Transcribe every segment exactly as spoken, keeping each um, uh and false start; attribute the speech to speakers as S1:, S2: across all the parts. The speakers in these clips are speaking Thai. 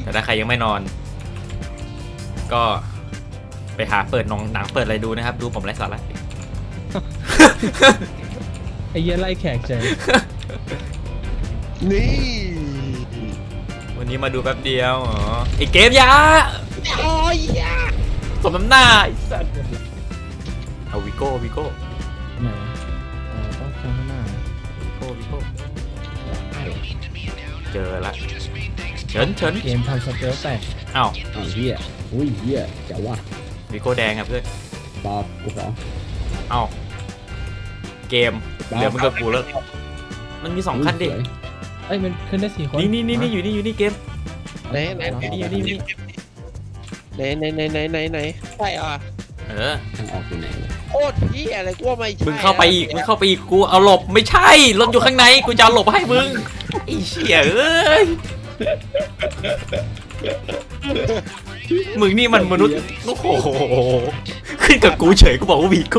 S1: แต่ถ้าใครยังไม่นอนก็ไปหาเปิดหนังหนังเปิดอะไรดูนะครับดูผมไร้สาระ
S2: ไอ้เหี้ยไล่แขกใจ
S3: นี่
S1: วันนี้มาดูแป๊บเดียวอ๋อไอเกมยา
S3: โอ้ยยา
S1: สมน้ำหน้าไอ้สัสเอาวิโก้วิโก้
S2: ไหนอ๋อต้องข้างหน้า
S1: วิโก้วิโก้เจอละเฉินเฉิน
S2: เกมทำสเตลแตก
S1: อ้าว
S4: อ้าวเฮียอุ้ยเฮียเจ๋วว่ะ
S1: วิโก้แดงครับเพื่อน
S4: ตอบกูขอ
S1: อ้าวเกมเหลือมึงกับกูแล้วมันมีสองคันดิ
S4: สวย
S2: เอ้ยมันขึ้นได้สี่คน
S1: นี่นี่นี่นี่อยู่นี่อยู่นี่เกม
S3: ไหนไหน
S1: อยู่นี่อยู่นี่อยู่นี่
S3: ไหนไหนไหนไหนไหนไหนใช่อ่ะ
S1: เออ
S4: ทางออกอยู่ไหนวะ
S3: โคตรพี่อะไรกูว่าไม่ใช่
S1: มึงเข้าไปอีกมึงเข้าไปอีกกูเอาหลบไม่ใช่รถอยู่ข้างในกูจะเอาหลบให้มึงไอ้เชี่ยเอ้ยมึงนี่มันมนุษย์โอ้โหขึ้นกับกูเฉยกูบอกว่าวีโก้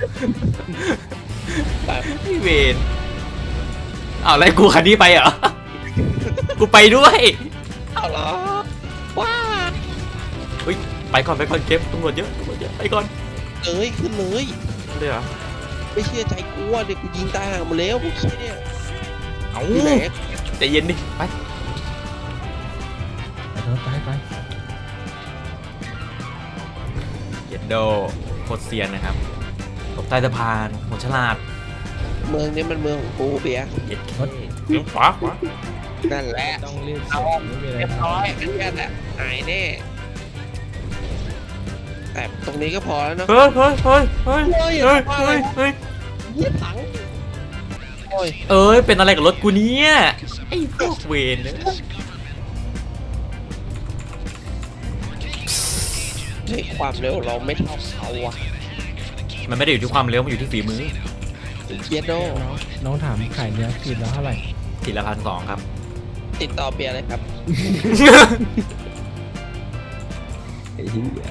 S1: พี่เวนอ้าวแล้วกูคันนี้ไปเหรอกูไปด้วย
S3: เอาเหรอว้า
S1: เฮ้ยไปก่อนไปก่อนเก็บตำรวจเยอะตำรวจเยอะไปก่อน
S3: เอ้ยขึ้นเลย
S1: เลยเหรอ
S3: ไม่เชื่อใจกูว่าเด็กกูยิงตายห่าหมดแล้วพวกขี้เนี่ย
S1: เอา
S3: อยู่ไหน
S1: ใจเย็นดิไป
S2: ไปไปไป
S1: เย็ดโดโคตรเซียนนะครับตกใต้สะพานหัวฉลาด
S3: เมืองนี้มันเมืองของกูเบียร์
S1: เย็ดเคเลี้ยวขวาขวา
S3: นั่นแหละ
S2: ต้องเรียก
S3: เอา
S2: ไม่มีอะไร
S3: เรียบร้อยอันนี้แหละหายแน่แต่ตรงนี้ก็พอแล้วเนาะ
S1: เฮ้ยเฮ้ยเฮ้ยเฮ้ยเฮ้ยเฮ้ยเฮ้ยเฮ้ย
S3: เยี่ยถังโอ้ย
S1: เอ้ยเป็นอะไรกับรถกูเนี่ยไอ้พวกเวนเนี่ย
S3: เฮ้ยความเร็วเราไม่เท่าเขาอะ
S1: มันไม่ได้อยู่ที่ความเร็วมันอยู่ที่ฝีมือ
S3: เบียร์โด
S2: น้องน้องถามขายเนื้อขีดแล้วเท่าไหร่
S1: ทีละพันสองครับ
S3: ติดต่อเบียร์เลยครับ
S4: ไอ้เฮีย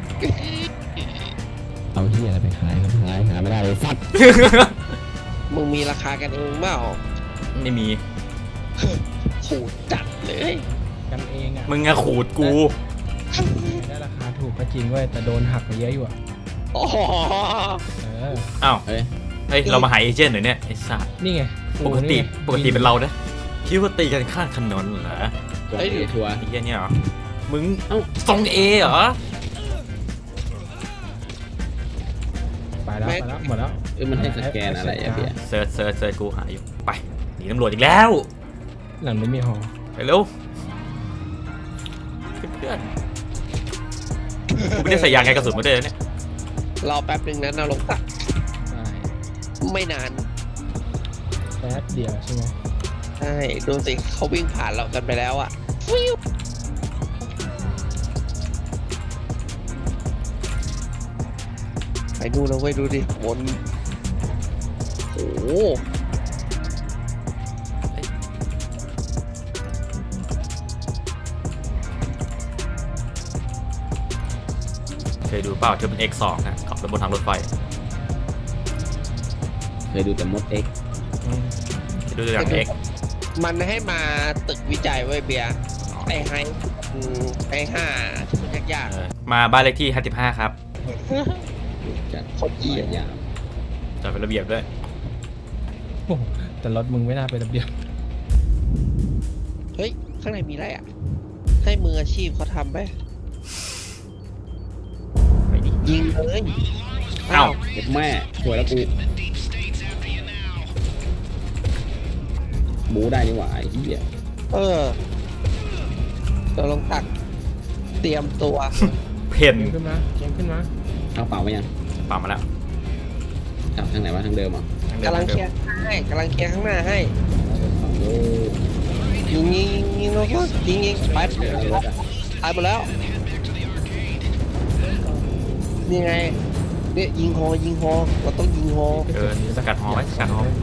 S4: เอาเฮียอะไรไปขายขายหาไม่ได้เลยสัตว์
S3: มึงมีราคากันเองเปล่า
S1: ไม่มี
S3: โหจัดเลย
S2: กันเองอ่ะ
S1: มึงอะขูดกู
S2: ได้ราคาถูกก็จริงเว้ยแต่โดนหักไปเยอะอยู่อ่ะ
S3: อ๋อ
S2: เออ
S1: อ้าว
S4: เอ้ย
S1: เฮ้ยเรามาหาเอเจนต์หน่อยเนี่ยไอ้สัส
S2: นี่ไง
S1: ปกติ
S2: นี่ไง
S1: ปกติเป็นเรานะคิดว่าตีกันข้างถนนเหรอ
S4: ตัวเอทัวร์
S1: ไอ้เหี้ยเนี่ยเหรอมึง
S4: เอ้า
S1: ทรงเอเหรอ
S2: ไปแล้วไปแล้วหมดแล้ว
S4: เอ้ยมันให้สแกนอะไรอะเบียร์
S1: เซิร์ชเซิร์ชเซิร์ชกูหาอยู่ไปหนีตำรวจอีกแล้ว
S2: หลังไม่มีหอ
S1: ไปเร็วเพื่อนๆกูไม่ได้ใส่ยางไงกระสุนมาด้วยนะเนี่ย
S3: รอแป๊บหนึ่งนะนาลงตัก
S2: ใช่
S3: ไม่นาน
S2: แป๊บเดียวใช่ไหม
S3: ใช่ดูสิเขาวิ่งผ่านเรากันไปแล้วอะฟิวไปดูนะเว้ยดูดิวนโอ้โห
S1: เคยดูเปล่าเธอเป็น เอ็กซ์ สอง นะขับรถบนทางรถไฟ
S4: เคยดูแต่มดเอ็ก
S1: อืมเคยดูตัวอย่าง X
S3: มันให้มาตึกวิจัยไว้ยเบียร์ไอ้ไฮอืมไอ้ห้าที่มันยาก
S1: เออมาบ้านเลขที่ห้าสิบห้าครับ
S3: ๆ
S4: จัด
S3: คนเหี้ย
S4: ยาว
S1: จัดเป็นระเบียบด้วย
S2: โอ้โหแต่รถมึงไม่น่าเป็นระเบียบ
S3: เฮ้ย ข้างในมีอะไรอ่ะ ให้มืออาชีพเขาทำไป
S1: ไปดิ
S3: ยิงเลย
S1: เอ้า
S4: เด็กแม่สวยแล้วกูบูได้นี่หว่าไอ้เหี้ย
S3: เออตัวลงตัก เตรียมตัว
S1: เพน
S2: เกมขึ้นมาเกมขึ้นมา
S4: เอาเปล่าไปยัง
S1: ป่ามาแล้ว
S4: กลับทางไหนวะทางเดิมเหรอ่ะ
S1: ทางดิม
S3: กำลัง
S1: ทา
S3: เคลียร์ให้กำลังเคลียร์ข้างหน้าให้
S4: โอ้
S3: ยิงยิงยิงแล้วก็ยิงยิงไป
S4: เดี๋ยวรถอ่ะ
S3: ตายหมดแล้ว นี่ไง เนี่ยยิงฮอยิงฮอเราต้องยิงฮอ
S1: เออสกัดหอไว้สกัดหอ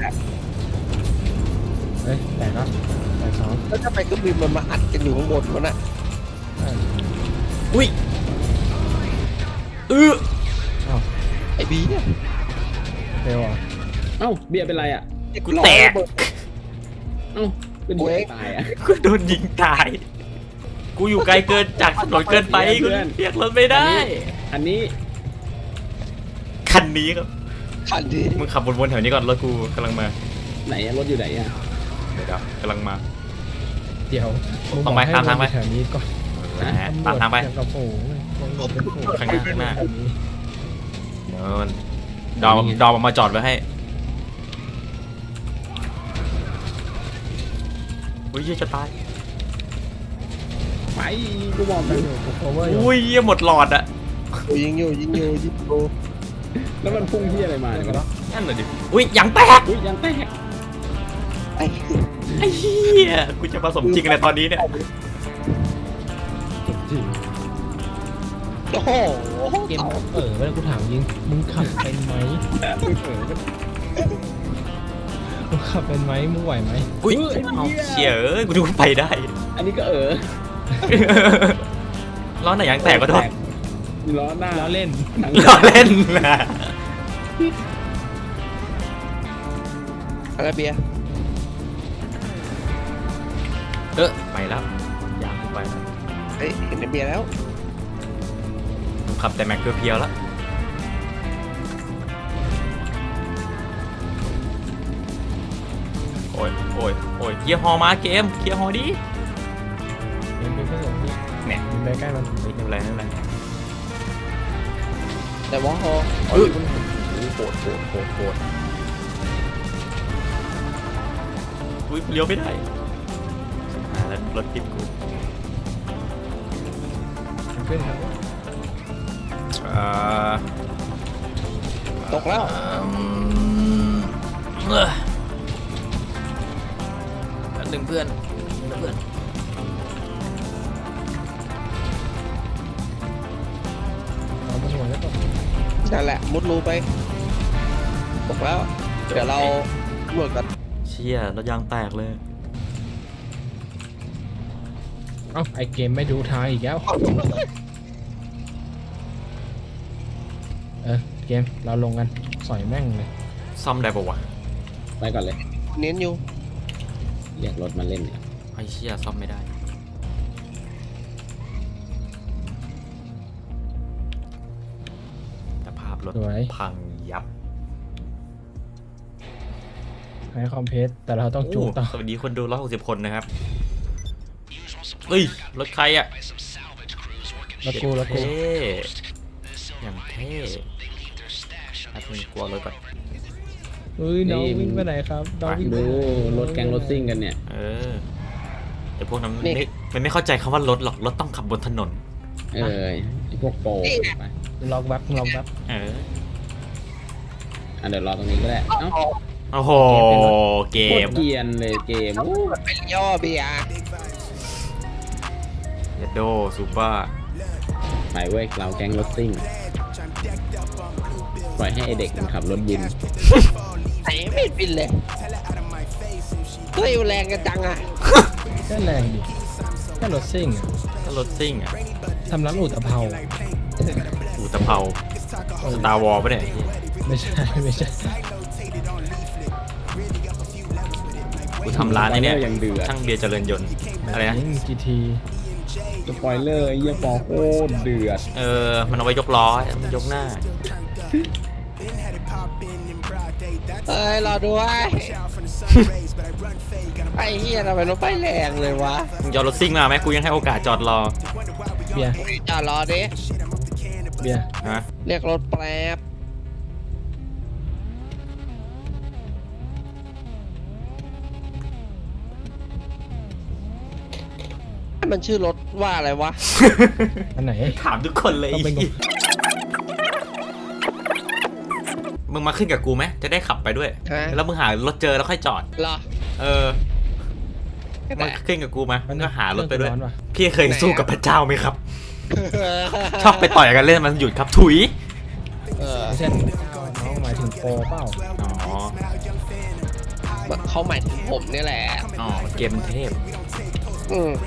S2: เฮ้ยแตกแล้วแตกสอง
S3: แล้วถ้าไปเครื่องบินมันมาอัดกันอยู่ข้างบนมันอ่ะ
S2: ใช่
S1: อุ้ยเออ
S2: อ้าว
S3: ไอ้บีเนี่ย
S2: เฟลอ่ะ
S4: เอ้าเบียร์เป็นไรอ่ะ
S1: กูแตก
S4: เอ้าเป็นเบียร์ตายอ่ะ
S1: กูโดนยิงตายกูอยู่ไกลเกินจากถนนเกินไปกูเรียกรถไม่ได้
S4: อันนี้
S1: คันนี้ครับ
S3: คันที่
S1: มึงขับวนๆแถวนี้ก่อนรถกูกำลังมา
S4: ไหนอะรถอยู่ไหนอะ
S1: เดี๋ยวกำลังมา
S2: เดี๋ยว
S1: ต้องไป
S2: มึบกให้
S1: ตามทางไป
S2: วนแถวนี้ก่อน
S1: นะฮะตามทางไป
S2: ตำรวจกับฝูงตำรวจเป็นฝูง
S1: ข้างหน้าข้างหน้า
S2: แถวนี้
S1: เดินดอมดอมเอามาจอดไว้ให้อุ้ยเหี้ยจะตาย
S4: ไปกูบอก
S2: ไป
S4: ไป
S2: อยู่กู cover อยู่
S1: อุ้ยเหี้ยหมดหลอดอะ
S3: ยิงอยู่ยิงอยู่ยิงอยู่
S4: แล้วมันพุ่งที่อะไรมาเนี่ย
S1: นั่นเลยดิอุ้ยยางแตก
S4: อุ้ยยังแตก
S3: ไอ้
S1: ไอ้เหี้ยกูจะผสมจริงในตอนนี้เนี่ย
S3: โอ้โห
S2: เกมเออเวลากูถามยิงมึงขับเป็นไหม
S4: อุ้ยเออมัน
S2: มึงขับเป็นไหมมึงไหวไหม
S1: อุ้ยเอาเชี่ยเอ้ยกูดูไปได้
S4: อันนี้ก็เออ
S1: ล้อไหนยางแตกก็โดน
S4: ล้อหน้า
S2: ล้อเล่น
S4: ทั้ง
S1: ล้อเล่นนะ
S3: อะไรเบียร์
S1: เออไปแล้วยางกูไปแล้ว
S3: เฮ้ยเห็นไอ้เบียร์แล้ว
S1: ขับแต่แม็กเพียวๆแล้วโอ้ยโอ้ยโอ้ยเคลียร์ฮอมาเกมเคลียร์ฮอดิ
S2: เกมเป็นเพื่อนของพี่
S1: เนี่ย
S2: มึงไปใกล้มัน
S1: ไม่เป็นไรไม่เป็นไร
S3: แต่ว่าฮอ
S1: เออโหดโหดโหดโหดอุ้ยเลี้ยวไม่ได้หาแล้วรถติดกู
S2: มันขึ้นครับ
S1: เอ่อ
S3: ตกแล้ว
S1: อืมเออหนึ่งเพื่อนหนึ่งเพื่อน
S2: เอาไปหัวแล้วก็
S3: นั่นแหละมุดรูไปตกแล้วเดี๋ยวเราตำรวจกัน
S1: เชี่ยรถยางแตกเลย
S2: เอ้าไอเกมไม่ดูทางอีกแล้วเออเกมเราลงกันสอยแม่งเลย
S1: ซ่อมได้ปะวะ
S4: ไปก่อนเลย
S3: เน้นอยู่
S4: เรียกรถมาเล่นเนี่ย
S1: ไอ้เชี่ยซ่อมไม่ได้แต่ภาพรถ
S2: สวย
S1: พังยับ
S2: ให้คอมเพสแต่เราต้องจูงต่อ
S1: โสวัสดีคนดูร้อยหกสิบคนนะครับเฮ้ยรถใครอ่ะ
S2: รถกูรถกู
S1: เท่อย่างเท่ถ้ามึงกลัวรถก่อน
S2: เฮ้ยน้องวิ่งไปไหนครับน้องวิ่งไป
S4: ดู
S2: ไหน
S4: รถแกงรถซิ่งกันเนี่ย
S1: เออแต่พวกนั้นมันไม่มันไม่เข้าใจคำว่ารถหรอกรถต้องขับบนถนน
S4: เออไอพวกโปรไป
S2: ล็อกแบ็คล็อกแบ็ค
S1: เออ
S4: อ่ะเดี๋ยวรอตรงนี้ก็ได้เอ้า
S1: โอ้โหเก
S4: โคต
S1: ม
S4: รเกรียนเลยเกมอู้
S3: ไปย่อเบียร์
S1: เยดโดซูเปอร์
S4: ไปเว้ยเราแกงรถซิ่งปล่อยให้ไอเด็กมันขับรถยิน
S3: ไหนไม่บินเลยเฮ้ยแรงกันจังอ่ะ
S2: แค่แรงดิแค่รถซิ่งอะ
S1: ก็รถซิ่งอ่ะ
S2: ทำร้านอุตภเปา
S1: อูตะเภาสตาร์วอลปะเนี่ย
S2: ไม่ใช่ไม่ใช่
S1: กูทำร้านไอ้เนี่ย
S4: ยังเดือด
S1: ช่างเบียร์เจริญยนต์อะไรนะ
S2: จีที
S4: สปอยเลอร์ไอ้เยี่ยปอโคตรเดือด
S1: เออมันเอาไว้ยกล้อมันยกหน้า
S3: เอ้ยรอด้วยไอ้เฮียทำไมรถไฟแรงเลยวะ
S1: มึงจะเอารถซิ่งมาไหมกูยังให้โอกาสจอดรอ
S2: เบียร์
S3: จอดรอดิ
S2: เบียร์
S1: ฮะ
S3: เรียกรถแป๊บมันชื่อรถว่าอะไรวะ
S2: อันไหน
S1: ถามทุกคนเลย
S2: ต้องเป็น
S1: มึงมาขึ้นกับกูไหมจะได้ขับไปด้วย
S3: ฮะ
S1: แล้วมึงหารถเจอแล้วค่อยจอด
S3: เหรอ
S1: เออมาขึ้นกับกูมามึงก็หารถไปด้วย
S2: ร้อนว่ะ
S1: พี่เคยสู้กับพระเจ้าไหมครับ ชอบไปต่อยกันเล่นมันหยุดครับถุย
S3: เออ
S2: ไม่ใช่น้องหมายถึงโปรเปล่า
S1: อ๋อ
S3: เขาหมายถึงผมนี่แหละ
S1: อ๋อเกมเทพ
S3: อืม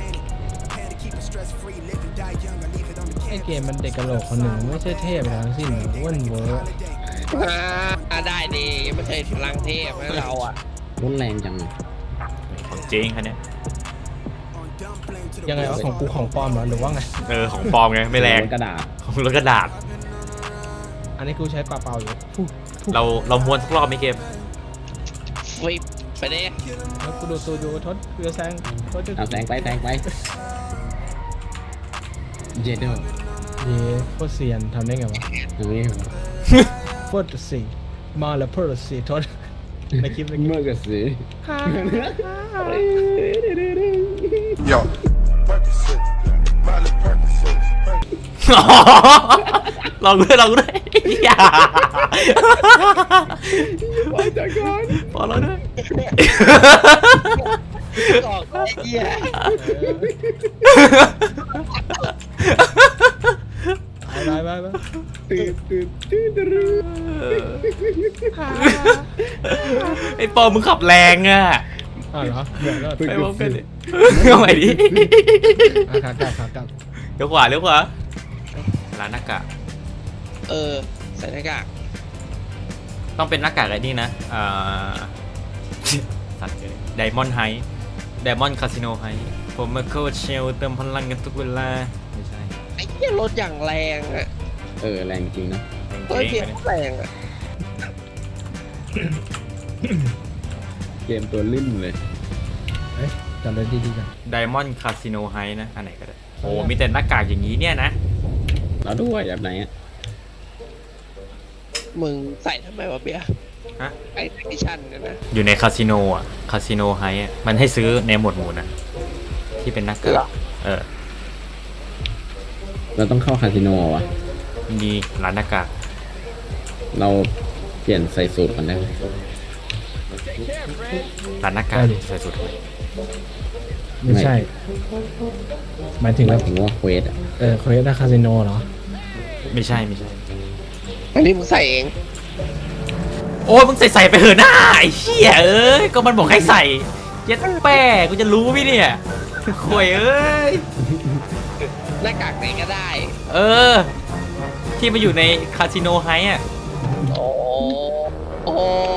S2: ไอเกมมันเด็กกะโหลกคนหนึ่งไม่ใช่เทพอะไรทั้งสิ้นอ้วนเวอร์
S3: อ่าได้ดีไม่ใช่พลังเทพนะเราอ่ะ
S4: รถแรงจัง
S1: ของจริงคันเนี้ย
S2: ยังไงวะของกูของปลอมเหรอหรือว่าไง
S1: เออของปลอมไงไม่แรง
S4: กระดาษ
S1: ของรถกระดาษ
S2: อันนี้กูใช้ปลาเปล่าอยู่ฟู่ฟู่
S1: เราเราม้วนสักรอบไหมเกม
S3: ฟิปไปเด้
S2: แล้วกูดูตัวดูทศเรือแซงทศจะ
S4: เอาแซงไปแซงไปเจเดอร์
S2: เย่โคตรเซียนทำได้ไงวะ
S4: ตรงนี้
S2: โคตรสีมาแล้วโคตรสีทศในคลิปในคลิป
S4: เมื่อกี้สิ
S5: Yo, Percocet, Miley Percocet.
S1: ลองด้วยลองด้วยอย่า
S4: ไปจากก่อน
S1: พอแล้วด้วย
S3: ออกไอ้เหี้ย
S2: ไปไปไป
S4: ตื่นตื่นตื่นตื่น
S1: ไอ้ปอมึงขับแรงอ่ะ
S2: อ้าวเหรอเดี๋ยวเลิศ
S1: ไปพร้อมกันดิเอาใหม่ดิ
S2: อ่ะขากลับขากลับ
S1: เลี้ยวขวาเลี้ยวขวาร้านหน้ากาก
S3: เออใส่หน้ากาก
S1: ต้องเป็นหน้ากากไอ้นี่นะอ่าสัตว์เลยไดมอนด์ไฮไดมอนด์คาสิโนไฮผมมาโคเชลเติมพลังกันทุกเวลาไม่ใช่
S3: ไอ้เหี้ยรถอย่างแรงอ่ะ
S4: เออแรงจริงนะ
S3: รถเพียงแรงอ่ะ
S4: เกมตัวลื่นเลย
S2: เอ้ยจอดรถดีๆกัน
S1: ไดมอนด์คาสิโนไฮนะอันไหนก็ได้โอ้มีแต่หน้ากากอย่างนี้เนี่ยนะ
S4: แล้วด้วยแบบไหนอ่ะ
S3: มึงใส่ทำไมวะเบียร์
S1: ฮะ
S3: ไอ้เทคนิชันเนี่ยนะ
S1: อยู่ในคาสิโนอ่ะคาสิโนไฮอ่ะมันให้ซื้อในหมวดหมู่นะที่เป็นหน้ากากเออ
S4: เราต้องเข้าคาสิโนเหรอวะ
S1: มีร้านหน้ากาก
S4: เราเปลี่ยนใส่สูตรก่อนได้ไหม
S1: ร้านหน้ากากใส่สุดเลย
S2: ไม่ใช่หมายถึง
S4: หมา
S2: ว่าย
S4: ถึงว่าเควสอ่ะ
S2: เออเควสคาสิโนเหรอ
S1: ไม่ใช่ไม่ใช่
S3: อันนี้มึงใส่เอง
S1: โอ้ยมึงใส่ใส่ไปเถอะหน้าไอ้เหี้ยเอ้ยก็มันบอกให้ใส่เย็ดแป้กูจะรู้ไหมเนี่ยข่วยเอ้ย
S3: หน้ากากไหนก็ได้
S1: เออ ที่มาอยู่ในคาสิโนไฮอ่ะ
S3: โอ้โอ้